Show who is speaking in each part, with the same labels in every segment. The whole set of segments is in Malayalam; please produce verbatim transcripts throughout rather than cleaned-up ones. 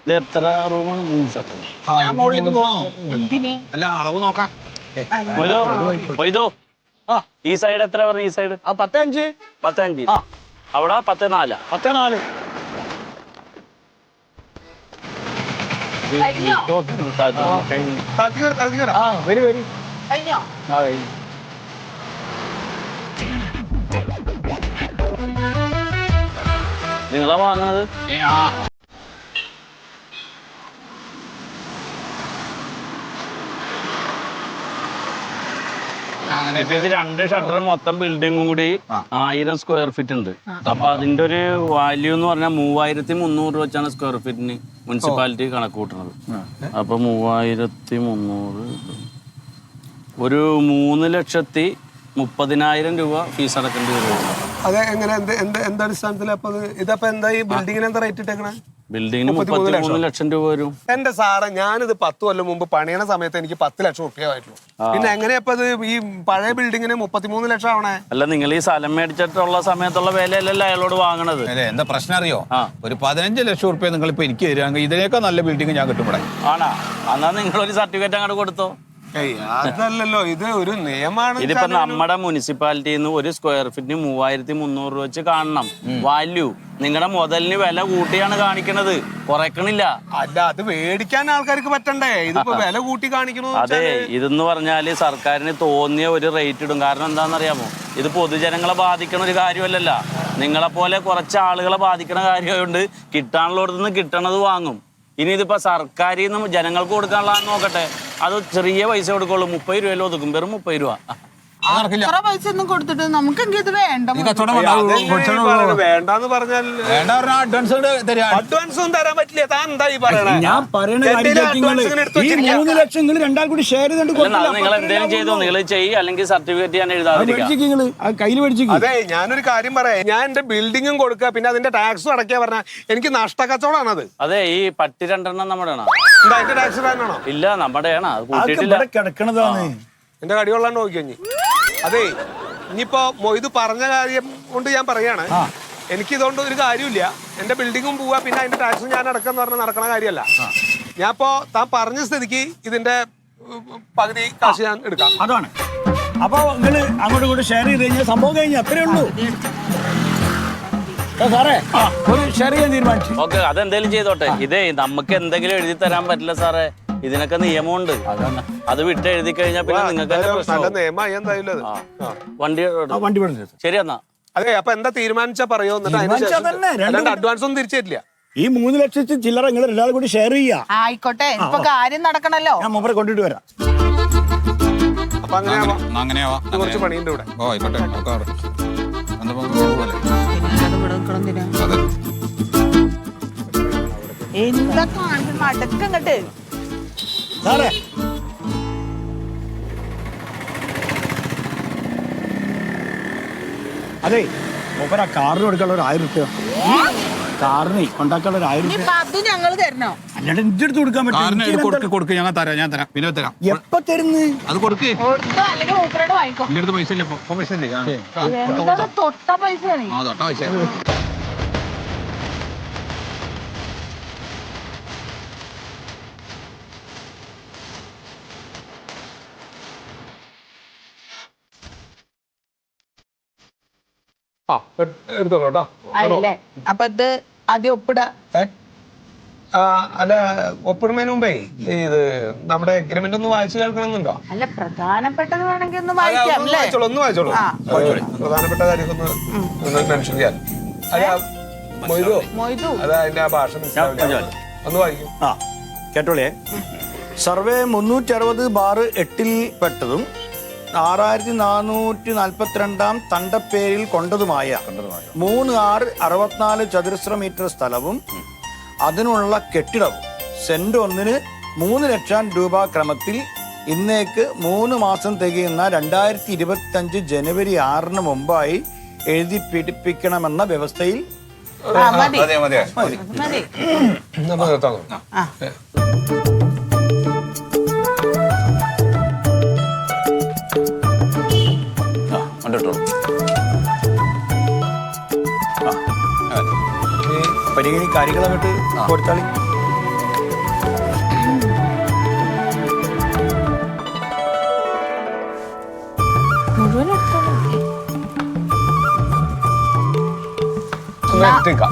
Speaker 1: എത്ര റൂമാണ്?
Speaker 2: അല്ല അളവ് നോക്കാം.
Speaker 1: ഈ സൈഡ് എത്ര പറഞ്ഞു? ഈ സൈഡ്
Speaker 2: പത്ത് അഞ്ച്
Speaker 1: പത്ത് അഞ്ച് അവിടെ പത്ത് നാല്
Speaker 2: പത്ത് നാല് വരി വരി
Speaker 1: നിങ്ങളാ വാങ്ങണത്? രണ്ട് ഷട്ടർ മൊത്തം ബിൽഡിംഗും കൂടി ആയിരം സ്ക്വയർ ഫീറ്റ് ഉണ്ട്. അപ്പൊ അതിന്റെ ഒരു വാല്യൂ എന്ന് പറഞ്ഞാൽ മൂവായിരത്തി മുന്നൂറ് രൂപ വെച്ചാണ് സ്ക്വയർ ഫീറ്റിന് മുനിസിപ്പാലിറ്റി കണക്ക് കൂട്ടുന്നത്. അപ്പൊ മൂവായിരത്തി മുന്നൂറ് ഒരു മൂന്ന് ലക്ഷത്തി മുപ്പതിനായിരം രൂപ ഫീസ് അടക്കേണ്ടി വരും.
Speaker 3: അതെ, എങ്ങനെ എന്ത് എന്ത് അടിസ്ഥാനത്തിൽ? അപ്പൊ ഇതപ്പോ എന്താ ഈ ബിൽഡിങ്ങിന് എന്താ റേറ്റ് ഇട്ടേക്കണേ?
Speaker 1: ബിൽഡിങ്ങിന് മുപ്പത്തിമൂന്ന് ലക്ഷം രൂപ വരും.
Speaker 3: എന്റെ സാറേ, ഞാനിത് പത്ത് കൊല്ലം മുമ്പ് പണിയണ സമയത്ത് എനിക്ക് പത്ത് ലക്ഷം റുപ്യ ആയിട്ടുള്ളൂ. പിന്നെ എങ്ങനെയപ്പോ ഇത് ഈ പഴയ ബിൽഡിങ്ങിന് മുപ്പത്തിമൂന്ന് ലക്ഷം ആവണേ?
Speaker 1: അല്ല, നിങ്ങൾ ഈ സ്ഥലം മേടിച്ചിട്ടുള്ള സമയത്തുള്ള വിലയല്ലല്ലോ അയാളോട് വാങ്ങണത്.
Speaker 2: എന്താ പ്രശ്നം അറിയോ? ഒരു പതിനഞ്ച് ലക്ഷം റുപ്യ നിങ്ങൾ ഇപ്പൊ എനിക്ക് തരാമെങ്കിൽ ഇതിനേക്കാൾ നല്ല ബിൽഡിംഗ് ഞാൻ കിട്ടും ഇവിടെ.
Speaker 1: ആണാ? എന്നാ നിങ്ങളൊരു സർട്ടിഫിക്കറ്റ് അങ്ങോട്ട് കൊടുത്തോ.
Speaker 3: അതല്ലല്ലോ, ഇത് ഒരു നിയമമാണ്.
Speaker 1: ഇതിപ്പോ നമ്മുടെ മുനിസിപ്പാലിറ്റിയിൽ നിന്ന് ഒരു സ്ക്വയർ ഫീറ്റിന് മൂവായിരത്തി മുന്നൂറ് രൂപ വെച്ച് കാണണം വാല്യൂ. നിങ്ങളുടെ മുതലിന് വില കൂട്ടിയാണ് കാണിക്കണത്, കുറയ്ക്കണില്ല.
Speaker 3: അല്ല, അത് മേടിക്കാൻ ആൾക്കാർക്ക് പറ്റണ്ടേ? ഇതിപ്പോ വില കൂട്ടി കാണിക്കണോ?
Speaker 1: അതെ, ഇതെന്ന് പറഞ്ഞാല് സർക്കാരിന് തോന്നിയ ഒരു റേറ്റ് ഇടും. കാരണം എന്താണെന്നറിയാമോ? ഇത് പൊതുജനങ്ങളെ ബാധിക്കണ ഒരു കാര്യമല്ലല്ല. നിങ്ങളെ പോലെ കുറച്ച് ആളുകളെ ബാധിക്കണ കാര്യമായതുകൊണ്ട് കിട്ടാനുള്ളടത്തുനിന്ന് കിട്ടണത് വാങ്ങും. ഇനി ഇതിപ്പോ സർക്കാരിൽ നിന്ന് ജനങ്ങൾക്ക് കൊടുക്കാനുള്ള നോക്കട്ടെ, അത് ചെറിയ പൈസ കൊടുക്കുള്ളൂ. മുപ്പത് രൂപയിൽ ഒതുക്കും, വെറും മുപ്പത് രൂപ.
Speaker 4: അത്ര പൈസ ഒന്നും കൊടുത്തിട്ട് നമുക്കെങ്കിൽ ഇത് വേണ്ട.
Speaker 3: വേണ്ടെന്ന് പറഞ്ഞാൽ അഡ്വാൻസ് ഒന്നും തരാൻ പറ്റില്ല. താൻ എന്താ ഈ പറയണേ?
Speaker 5: ഞാൻ മൂന്ന് ലക്ഷം രണ്ടാൾ കൂടി ഷെയർ ചെയ്തിട്ട്
Speaker 1: നിങ്ങൾ എന്തെങ്കിലും ചെയ്തോ, നിങ്ങൾ ചെയ്യും, അല്ലെങ്കിൽ സർട്ടിഫിക്കറ്റ് ഞാൻ എഴുതാതിരിക്കും.
Speaker 5: കയ്യിൽ മേടിച്ചു.
Speaker 3: അതെ, ഞാനൊരു കാര്യം പറയാം. ഞാൻ എന്റെ ബിൽഡിങ്ങും കൊടുക്കുക, പിന്നെ അതിന്റെ ടാക്സും അടയ്ക്കാ പറഞ്ഞാൽ എനിക്ക് നഷ്ടക്കച്ചവടമാണ് അത്.
Speaker 1: അതെ, ഈ പട്ടി രണ്ടെണ്ണം നമ്മുടെ
Speaker 3: എന്താ അതിന്റെ ടാക്സ് ഇടാനാണോ?
Speaker 1: ഇല്ല, നമ്മുടെയാണ്. അത് കൂട്ടിയിട്ടില്ല,
Speaker 5: കിടക്കണതാണ്.
Speaker 3: എന്റെ കടി കൊള്ളാണ്ട് നോക്കിക്കഴിഞ്ഞ്. അതെ, ഇനിയിപ്പോ മൊയ്ത് പറഞ്ഞ കാര്യം കൊണ്ട് ഞാൻ പറയാണ്, എനിക്ക് ഇതുകൊണ്ട് ഒരു കാര്യമില്ല. എന്റെ ബിൽഡിങ്ങും പോവാ, പിന്നെ അതിന്റെ ടാക്സും ഞാൻ അടക്കാന്ന് പറഞ്ഞാൽ നടക്കണ കാര്യമല്ല. ഞാൻ ഇപ്പോ താൻ പറഞ്ഞ സ്ഥിതിക്ക് ഇതിന്റെ പകുതി കാശ് ഞാൻ എടുക്കാം.
Speaker 5: അതാണ്. അപ്പൊ നിങ്ങള് അങ്ങോട്ടും ഇങ്ങോട്ട് ഷെയർ ചെയ്ത് കഴിഞ്ഞാൽ സംഭവം കഴിഞ്ഞാൽ അത്രേ ഉള്ളൂ സാറേ. ഒരു ഷെയർ ചെയ്യാൻ തീരുമാനിച്ചു.
Speaker 1: ഓക്കെ, അതെന്തേലും ചെയ്തോട്ടെ. ഇതേ നമുക്ക് എന്തെങ്കിലും എഴുതി തരാൻ പറ്റില്ല സാറേ. ഇതിനൊക്കെ നിയമമുണ്ട്. അത് വിട്ട് എഴുതി കഴിഞ്ഞാൽ പിന്നെ നിങ്ങൾക്ക് വണ്ടി
Speaker 5: വണ്ടി
Speaker 1: ശരി. എന്നാ
Speaker 3: അതെ, അപ്പൊ എന്താ തീരുമാനിച്ചാ പറയോ? അഡ്വാൻസ് ഒന്നും തിരിച്ചു തരില്ല.
Speaker 5: ഈ മൂന്ന് ലക്ഷത്തി ചില്ലറ നിങ്ങൾ എല്ലാവരും കൂടി ഷെയർ ചെയ്യാ.
Speaker 4: ആയിക്കോട്ടെ, ഇപ്പൊ കാര്യം നടക്കണല്ലോ.
Speaker 5: ഞാൻ മൂപ്പരെ കൊണ്ടിട്ട് വരാം.
Speaker 3: അപ്പൊ അങ്ങനെയാവാ, കുറച്ച് പണിയുണ്ട് ഇവിടെ.
Speaker 2: ഓ ആയിക്കോട്ടെ.
Speaker 4: എന്താ മടക്കങ്ങട്ട്
Speaker 5: സാറേ, അതെ, മൂപ്പര കാറിന് കൊടുക്കാനുള്ള ഒരു ആയിരം റുപ്യ, കാറിന് കൊണ്ടാക്കാനുള്ള ഒരു ആയിരം റുപ്യ
Speaker 4: അത് ഞങ്ങൾ തരണോ?
Speaker 5: അല്ലാണ്ട് എന്റെ അടുത്ത് കൊടുക്കാൻ പറ്റും.
Speaker 2: കൊടുക്ക്, ഞാൻ തരാം, ഞാൻ തരാം, പിന്നെ തരാം.
Speaker 5: എപ്പ തരുന്നു?
Speaker 2: അത് കൊടുക്ക്.
Speaker 4: അല്ലെങ്കിൽ മൂപ്പരോട് വാങ്ങിക്കോ.
Speaker 2: എന്റെ അടുത്ത് പൈസ ഇല്ല, പൈസ ഇല്ലേ?
Speaker 4: തൊട്ട പൈസ
Speaker 2: ആ തൊട്ട പൈസ.
Speaker 3: ആ, എടുത്തോളൂ.
Speaker 4: അപ്പൊ ഇത് ആദ്യം ഒപ്പിട.
Speaker 3: അല്ല, ഒപ്പിടുന്നതിന് മുമ്പേ ഇത് നമ്മുടെ എഗ്രിമെന്റ് ഒന്ന് വായിച്ചു കേൾക്കണമെന്നുണ്ടോ?
Speaker 4: അല്ല, പ്രധാനപ്പെട്ടത് വേണമെങ്കിൽ ഒന്ന് വായിക്കാം.
Speaker 3: ഒന്ന് വായിച്ചോളൂ. പ്രധാനപ്പെട്ട കാര്യം ഒന്ന് മെൻഷൻ ചെയ്യാൻ. മൊയ്തോ, അതാ അതിന്റെ ആ ഭാഷ ഒന്ന് വായിക്കും.
Speaker 5: ആ, കേട്ടോളേ. സർവേ മുന്നൂറ്റി അറുപത് ബാറ് എട്ടിൽ പെട്ടതും ആറായിരത്തി നാനൂറ്റി നാൽപ്പത്തിരണ്ടാം തണ്ടപ്പേരിൽ കൊണ്ടതുമായ മൂന്ന് ആറ് അറുപത്തിനാല് ചതുരശ്ര മീറ്റർ സ്ഥലവും അതിനുള്ള കെട്ടിടവും സെന്റ് ഒന്നിന് മൂന്ന് ലക്ഷം രൂപ ക്രമത്തിൽ ഇന്നേക്ക് മൂന്ന് മാസം തികയുന്ന രണ്ടായിരത്തി ഇരുപത്തി അഞ്ച് ജനുവരി ആറിന് മുമ്പായി എഴുതി പിടിപ്പിക്കണമെന്ന വ്യവസ്ഥയിൽ പരിഗണി കാര്യങ്ങൾ അങ്ങോട്ട് കൊടുത്താളി.
Speaker 3: ഒന്ന് എടുത്തേക്കാം.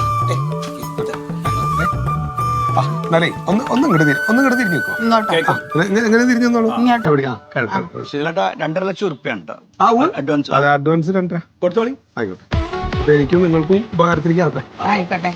Speaker 3: ആ, എന്നാലേ ഒന്ന് ഒന്ന് ഇങ്ങോട്ട് തിരി ഒന്ന് ഇങ്ങോട്ട് തിരിഞ്ഞു നിൽക്കോ.
Speaker 4: ഇങ്ങോട്ടോ
Speaker 3: എങ്ങനെ തിരിഞ്ഞു നിന്നോളൂ.
Speaker 4: ഇങ്ങോട്ടോ
Speaker 3: എവിടെയാ? കിഴക്ക്, കിഴക്ക്.
Speaker 5: ശീലേട്ടാ രണ്ടര ലക്ഷം ഉറുപ്പ്യാണ്
Speaker 3: ആ, ഉവ്വ്.
Speaker 5: അഡ്വാൻസ്
Speaker 3: അതെ, അഡ്വാൻസ് രണ്ടര
Speaker 5: കൊടുത്തോളി.
Speaker 3: ആയിക്കോട്ടെ. അപ്പൊ എനിക്കും നിങ്ങൾക്കും ഉപകാരത്തിരിക്കാതെ.
Speaker 4: ആയിക്കോട്ടെ.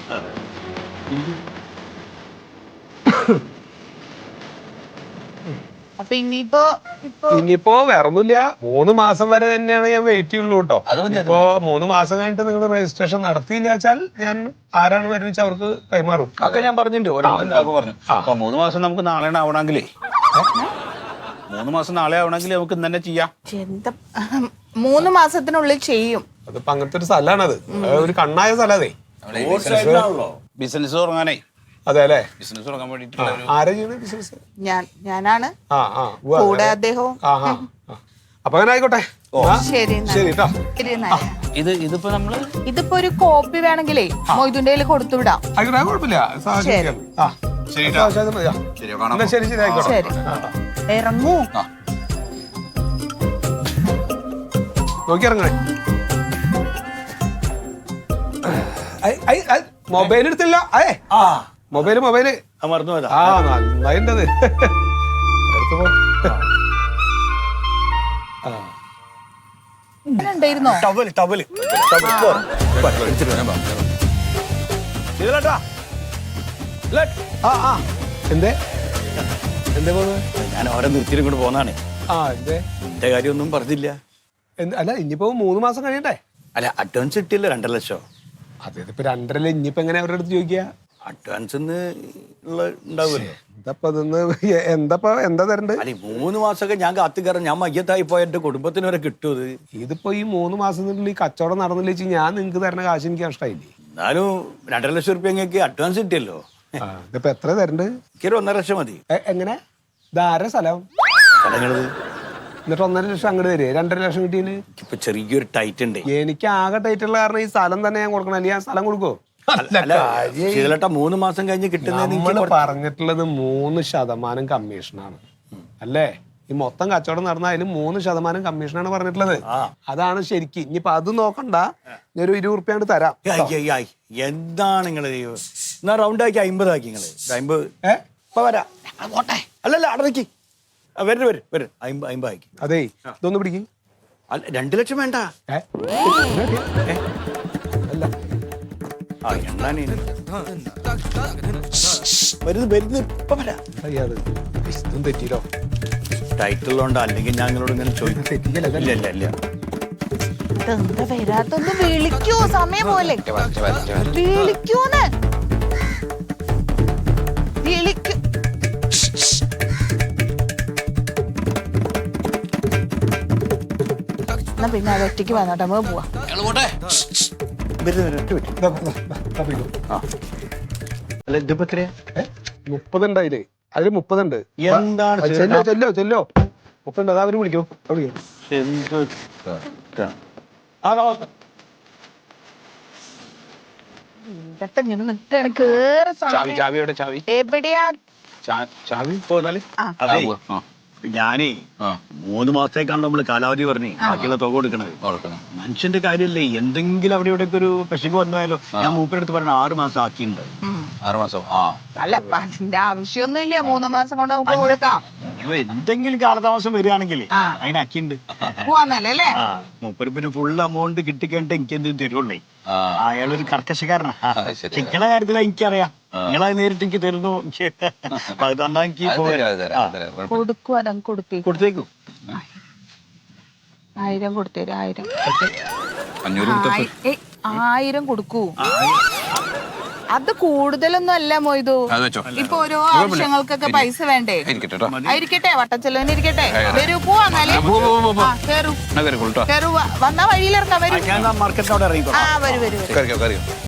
Speaker 4: അപ്പൊ ഇനിയിപ്പോ ഇപ്പൊ
Speaker 3: ഇനിയിപ്പോ വേറൊന്നുമില്ല, മൂന്ന് മാസം വരെ തന്നെയാണ് ഞാൻ വെയിറ്റ് ചെയ്യുള്ളൂ കേട്ടോ. ഇപ്പോ മൂന്ന് മാസം കഴിഞ്ഞിട്ട് നിങ്ങൾ രജിസ്ട്രേഷൻ നടത്തിയില്ല വെച്ചാൽ ഞാൻ ആരാണ് വരുന്നത് വെച്ചാൽ അവർക്ക് കൈമാറും.
Speaker 2: ഒക്കെ ഞാൻ പറഞ്ഞിട്ടുണ്ട് ഓരോ പറഞ്ഞു. അപ്പൊ മൂന്ന് മാസം നമുക്ക് നാളെ ആവണമെങ്കിലേ മൂന്ന് മാസം നാളെ ആവണമെങ്കിൽ നമുക്ക് ഇന്ന് തന്നെ ചെയ്യാം.
Speaker 4: എന്താ മൂന്ന് മാസത്തിനുള്ളിൽ ചെയ്യും.
Speaker 3: അതിപ്പോ അങ്ങനത്തെ ഒരു സ്ഥലമാണത്, ഒരു കണ്ണായ സ്ഥലം അതെ.
Speaker 2: ബിസിനസ് തുടങ്ങാനേ.
Speaker 3: അതെ അല്ലേ?
Speaker 2: ബിസിനസ് തുടങ്ങാൻ വേണ്ടിട്ടുള്ള
Speaker 3: ആരാ ചെയ്യുന്നത് ബിസിനസ്?
Speaker 4: ഞാൻ ഞാനാണ്
Speaker 3: ആ ആ ഉവ്വ് അതെ.
Speaker 4: കൂടെ അദ്ദേഹവും.
Speaker 3: ആ ആ ആ. അപ്പൊ അങ്ങനെ ആയിക്കോട്ടെ. ആ,
Speaker 4: ശരി എന്നാ.
Speaker 3: ശരി കേട്ടോ.
Speaker 4: ശരി എന്നാ.
Speaker 1: ഇത് ഇതിപ്പോ നമ്മള്
Speaker 4: ഇതിപ്പോ ഒരു കോപ്പി വേണമെങ്കിലേ മൊയ്തുന്റെ കയ്യിൽ കൊടുത്തു വിടാം.
Speaker 3: ആയിക്കോട്ടെ, കുഴപ്പമില്ല. സാഹചര്യം. ആ
Speaker 2: ശരി
Speaker 3: സാഹചര്യം മതി. ആ.
Speaker 2: ശരി കാണാം.
Speaker 3: എന്നാ ശരി ശരി ആയിക്കോട്ടെ.
Speaker 4: ശരി ഇറങ്ങൂ.
Speaker 3: നോക്കി ഇറങ്ങണേ. മൊബൈൽ എടുത്തില്ല. അയേ
Speaker 5: ആ
Speaker 3: മൊബൈല് മൊബൈല്
Speaker 5: മറന്നു പോയതാ.
Speaker 3: ആ നന്നായിട്ടത് എടുത്തു പോ. ആ
Speaker 4: അങ്ങനെ ഉണ്ടായിരുന്നോ?
Speaker 5: ടവല് ടവല് ശീലേട്ടാ.
Speaker 3: ആ ആ എന്തേ എന്തേ പോകുന്നത്?
Speaker 5: ഞാൻ ഓരോ നിർത്തിയിട്ട് കൊണ്ട് പോന്നാണ്.
Speaker 3: ആ എന്തേ?
Speaker 5: എന്റെ കാര്യമൊന്നും പറഞ്ഞില്ല.
Speaker 3: എന്ത് അല്ല, ഇനിയിപ്പോ മൂന്ന് മാസം കഴിയണ്ടേ?
Speaker 5: അല്ല അഡ്വാൻസ് കിട്ടിയില്ല രണ്ടര ലക്ഷം.
Speaker 3: അതെ, ഇതിപ്പോ രണ്ടരല്ല. ഇനിയിപ്പോ എങ്ങനെ അവരുടെ അടുത്ത് ചോദിക്കുക?
Speaker 5: അഡ്വാൻസ് ഉള്ള ഉണ്ടാവുമല്ലോ.
Speaker 3: എന്താ ഇതൊന്ന് എന്താ എന്താ തരണ്ട്?
Speaker 5: അല്ലെ മൂന്ന് മാസമൊക്കെ ഞാൻ കാത്തു കയറാൻ ഞാൻ മയ്യത്തായി പോയ എന്റെ കുടുംബത്തിന് വരെ കിട്ടും ഇത്.
Speaker 3: ഇതിപ്പോ ഈ മൂന്ന് മാസത്തിനുള്ളിൽ ഈ കച്ചവടം നടന്നില്ല വെച്ച് ഞാൻ നിങ്ങക്ക് തരുന്ന കാശ് എനിക്ക് നഷ്ടമായില്ലേ?
Speaker 5: എന്നാലും രണ്ടര ലക്ഷം റുപ്യ നിങ്ങൾക്ക് അഡ്വാൻസ് കിട്ടിയല്ലോ.
Speaker 3: ആ, ഇതിപ്പോ എത്ര തരണ്ട്?
Speaker 5: എനിക്കൊരു ഒന്നര ലക്ഷം മതി.
Speaker 3: എ- എങ്ങനെ ഇതാര സ്ഥലം?
Speaker 5: സ്ഥലങ്ങളത്
Speaker 3: എന്നിട്ട് ഒന്നര ലക്ഷം അങ്ങോട്ട് തരുവേ? രണ്ടര ലക്ഷം കിട്ടിയതിന്
Speaker 5: ഇപ്പൊ ചെറിയൊരു ടൈറ്റ് ഉണ്ട്.
Speaker 3: എനിക്ക് ആകെ ടൈറ്റുള്ള കാരണം ഈ സ്ഥലം തന്നെ ഞാൻ കൊടുക്കണം. അല്ലെങ്കിൽ ഞാൻ സ്ഥലം കൊടുക്കോ?
Speaker 5: ശീലേട്ടാ മൂന്ന് മാസം കഴിഞ്ഞ് കിട്ടുന്നതിന്
Speaker 3: നമ്മൾ
Speaker 5: എനിക്ക്
Speaker 3: പറഞ്ഞിട്ടുള്ളത് മൂന്ന് ശതമാനം കമ്മീഷനാണ് അല്ലേ? ഈ മൊത്തം കച്ചവടം നടന്ന അതിൽ മൂന്ന് ശതമാനം കമ്മീഷനാണ് പറഞ്ഞിട്ടുള്ളത്. അതാണ് ശരിക്ക്. ഇനിയിപ്പൊ അത് നോക്കണ്ട, ഞാൻ ഒരു ഇരുപത് റുപ്യാണ്ട് തരാം.
Speaker 5: ആയി, ആയി, ആയി. എന്താണ് നിങ്ങള് എന്നാ റൗണ്ട് ആക്കി അമ്പത് ആക്കി നിങ്ങള് അമ്പത്.
Speaker 3: ഏ
Speaker 5: ഇപ്പൊ വരാ അല്ലല്ല അടക്കി വരും വരും വരും അമ്പത് അമ്പത് ആക്കി.
Speaker 3: അതേ ഇതൊന്ന് പിടിക്കും.
Speaker 5: അല്ല രണ്ട് ലക്ഷം വേണ്ട.
Speaker 3: ഏ
Speaker 5: ഏ?
Speaker 3: അല്ല
Speaker 5: ആ എണ്ണാണ് വരുന്നത് വരുന്നത് ഇപ്പൊ വരാ.
Speaker 3: അറിയാതെ ഇതും തെറ്റിയില്ലോ.
Speaker 5: ടൈറ്റിലുണ്ടോ അല്ലെങ്കിൽ ഞാൻ നിങ്ങളോട് ഇങ്ങനെ ചോദിക്കും.
Speaker 3: തെറ്റിക്കല്ല.
Speaker 5: ഇല്ല ഇല്ല ഇല്ല
Speaker 4: ഇതെന്താ വരാത്തൊന്ന് വിളിക്കൂ, സമയം പോലെ വിളിക്കൂന്ന് വിളിക്കൂ. എന്നാ പിന്നെ അത് ഒറ്റയ്ക്ക് വന്നോട്ടെ, നമുക്ക് പോവാം.
Speaker 5: വരുന്നത് വരും ഒറ്റ പറ്റും.
Speaker 3: ദാ, ദാ, ദാ, ദാ പിടിക്കൂ.
Speaker 5: ആ അല്ല ഇതിപ്പോ എത്രയാ?
Speaker 3: ഏ? മുപ്പതുണ്ട് അതില് അതില് മുപ്പതുണ്ട്.
Speaker 5: എന്താണ്
Speaker 3: ആ, ചെല്ലോ ചെല്ലോ ചെല്ലോ മുപ്പതുണ്ട്. അതാ അവര് വിളിക്കൂ. വിളിക്കൂ.
Speaker 4: ഇതൊക്കെ ഇങ്ങനെ നിൽക്കാണ്. കേറി
Speaker 2: ചാവി ചാവി എവിടെ? ചാവി
Speaker 4: എവിടെയാ?
Speaker 2: ചാവി പോന്നാല്
Speaker 5: അതെ ഞാനേ മൂന്ന് മാസത്തേക്കാണ് നമ്മള് കാലാവധി പറഞ്ഞേ ബാക്കിയുള്ള തുക കൊടുക്കണത്. മനുഷ്യന്റെ കാര്യമല്ലേ, എന്തെങ്കിലും അവിടെ ഇവിടെ ഒരു പശുക്ക് വന്നാലോ. ഞാൻ മൂപ്പരെടുത്ത് പറഞ്ഞ ആറ് മാസം ആക്കിയിട്ടുണ്ട്.
Speaker 2: ആറ് മാസം. ആ
Speaker 4: അല്ല അപ്പൊ അതിന്റെ ആവശ്യമൊന്നുമില്ല, മൂന്ന് മാസം കൊണ്ട് നമുക്ക് കൊടുക്കാം.
Speaker 5: അപ്പൊ എന്തെങ്കിലും കാലതാമസം വരികയാണെങ്കിൽ അതിനാക്കിണ്ട്.
Speaker 4: പോവാന്നല്ലേ?
Speaker 5: ആ മൂപ്പര് പിന്നെ ഫുൾ എമൗണ്ട് കിട്ടിക്കഴിഞ്ഞിട്ട് എനിക്ക് എന്ത് തരുള്ളേ. അയാളൊരു കർക്കശക്കാരനാ. ചിക്കണ കാര്യത്തിൽ എനിക്കറിയാം. നിങ്ങളത് നേരിട്ട് എനിക്ക് തരുന്നു. അപ്പൊ അതുകൊണ്ടാ എനിക്ക്
Speaker 4: കൊടുക്കൂ. അതങ്ങ് കൊടുക്കേ.
Speaker 5: കൊടുത്തേക്കും.
Speaker 4: ആയിരം കൊടുത്തേരും. ആയിരം
Speaker 2: അഞ്ഞൂറ്
Speaker 4: ആയി- ഏയ്, ആയിരം കൊടുക്കൂ. അത് കൂടുതലൊന്നും അല്ല മൊയ്തു.
Speaker 2: അത് വെച്ചോ.
Speaker 4: ഇപ്പൊ ഓരോ ആവശ്യങ്ങൾക്കൊക്കെ പൈസ വേണ്ടേ?
Speaker 2: ഇരിക്കട്ടെ കേട്ടോ.
Speaker 4: ആയിരിക്കട്ടെ, വട്ടച്ചെലവിന് ഇരിക്കട്ടെ. വരൂ, പോവാന്നാലേ. ആ, കേറൂ
Speaker 2: എന്നാ കയറി കൊള്ളട്ടോ.
Speaker 4: കേറൂ. വ- വന്നാ വഴിയിലിറങ്ങാം. വരൂ.
Speaker 5: ഞാൻ മാർക്കറ്റിനോട് ഇറങ്ങിക്കോ.
Speaker 4: ആ വരൂ വരൂ വരൂ.
Speaker 2: കയറിക്കോ കയറിയോ.